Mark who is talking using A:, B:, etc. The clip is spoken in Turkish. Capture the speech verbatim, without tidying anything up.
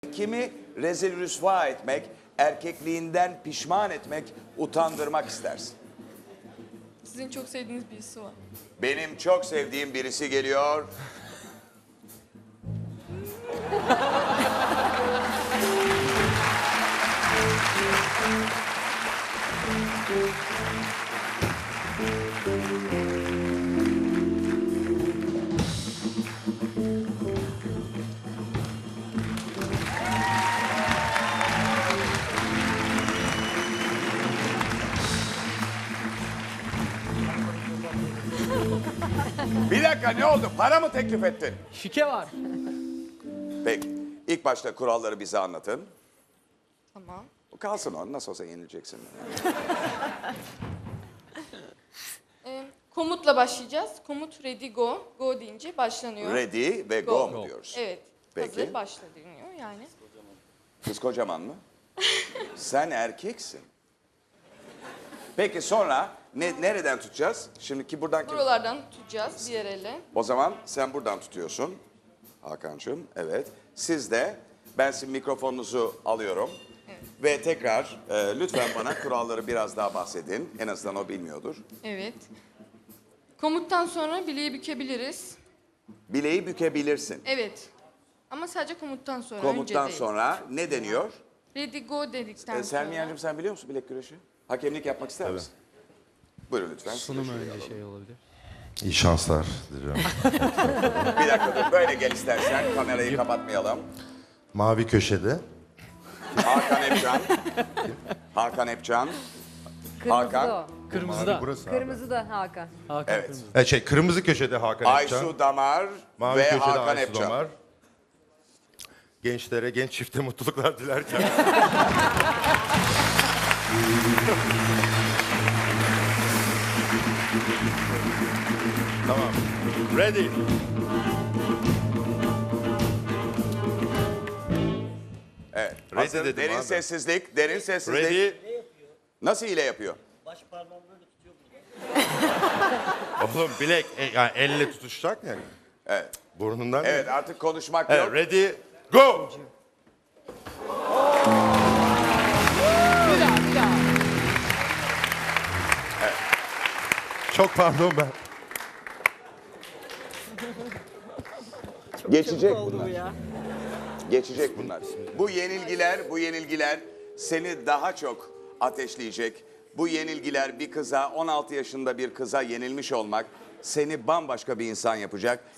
A: Kimi rezil rüsva etmek, erkekliğinden pişman etmek, utandırmak istersin?
B: Sizin çok sevdiğiniz birisi var.
A: Benim çok sevdiğim birisi geliyor. Bir dakika, ne oldu? Para mı teklif ettin?
C: Şike var.
A: Peki. İlk başta kuralları bize anlatın.
B: Tamam.
A: Kalsın o. Nasıl olsa yenileceksin.
B: Ee, komutla başlayacağız. Komut ready go. Go deyince başlanıyor.
A: Ready ve go,
B: Go.
A: mu diyoruz?
B: Evet.
A: Peki.
B: Hazır başla deniyor yani.
A: Kız kocaman mı? Sen erkeksin. Peki sonra ne, nereden tutacağız? Şimdiki buradan kim?
B: Buralardan tutacağız diğer elle.
A: O zaman sen buradan tutuyorsun. Hakan'cığım, evet. Siz de, ben sizin mikrofonunuzu alıyorum.
B: Evet.
A: Ve tekrar e, lütfen bana kuralları biraz daha bahsedin. En azından o bilmiyordur.
B: Evet. Komuttan sonra bileği bükebiliriz.
A: Bileği bükebilirsin.
B: Evet. Ama sadece komuttan sonra. önce
A: Komuttan
B: değil.
A: sonra ne deniyor?
B: Ready go dedikten
A: E,
B: sonra.
A: Selmiye'cim sen biliyor musun bilek güreşi? Hakemlik yapmak ister misin? Buyurun lütfen.
C: Sunum
A: Şuraya
C: önce
A: alalım.
C: şey olabilir.
D: İyi şanslar diliyorum.
A: Bir dakika dur, böyle gel istersen. Kamerayı kapatmayalım.
D: Mavi köşede.
A: Hakan Epcan. Hakan Epcan.
E: Kırmızı
A: Hakan.
E: da
C: Kırmızı
D: Mavi
C: da.
D: burası
E: o. Kırmızı da Hakan.
C: Hakan
A: Evet.
C: kırmızı.
D: E şey kırmızı köşede Hakan Epcan.
A: Aysu Damar
D: Mavi
A: ve
D: köşede
A: Hakan
D: Aysu
A: Epcan.
D: Damar. Gençlere, genç çifte mutluluklar dilerken. Tamam. Ready.
A: Evet.
D: Ready
A: Hazır,
D: dedim
A: derin
D: abi.
A: sessizlik, derin sessizlik.
D: Ready.
A: Nasıl hile yapıyor?
D: Oğlum bilek, e, yani elle tutuşacak ya.
A: Evet.
D: Burnundan.
A: Evet, artık konuşmak
D: Evet,
A: yok.
D: ready, go.
E: Bir daha, bir daha.
D: Çok pardon ben.
A: Geçecek bunlar. Geçecek bunlar. Bu yenilgiler, bu yenilgiler seni daha çok ateşleyecek. Bu yenilgiler bir kıza, on altı yaşında bir kıza yenilmiş olmak seni bambaşka bir insan yapacak.